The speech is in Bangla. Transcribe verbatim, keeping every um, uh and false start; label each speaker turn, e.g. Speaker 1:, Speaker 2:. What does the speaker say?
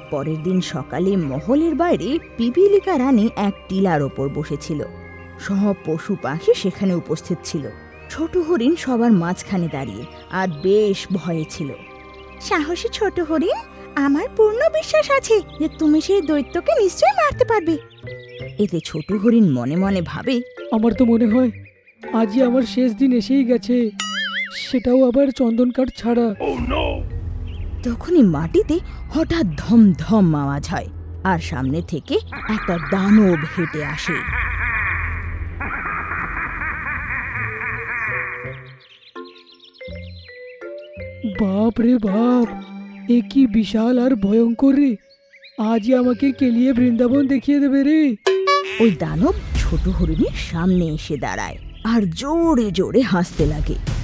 Speaker 1: পরের দিন সকালে মহলের বাইরে পিপিলিকা রানী এক টিলার ওপর বসেছিল। সব পশু পাখি সেখানে উপস্থিত ছিল। ছোট হরিণ সবার মাঝখানে দাঁড়িয়ে আর বেশ ভয়ে ছিল। সাহসী ছোট হরিণ, আমার পূর্ণ বিশ্বাস আছে যে তুমি সেই দৈত্যকে নিশ্চয়ই মারতে পারবে। এতে ছোট হরিণ মনে মনে ভাবে,
Speaker 2: আমার তো মনে হয় আজই আমার শেষ দিন এসেই গেছে, সেটাও আবার চন্দন কাঠ ছাড়া।
Speaker 1: তখনই মাটিতে হঠাৎ ধম ধম আওয়াজ হয় আর সামনে থেকে একটা দানব হেঁটে আসে।
Speaker 2: বাপ রে বাপ, এ কি বিশাল আর ভয়ঙ্কর রে! আজই আমাকে কেলিয়ে বৃন্দাবন দেখিয়ে দেবে রে।
Speaker 1: ওই দানব ছোট হরিণের সামনে এসে দাঁড়ায় আর জোরে জোরে হাসতে লাগে।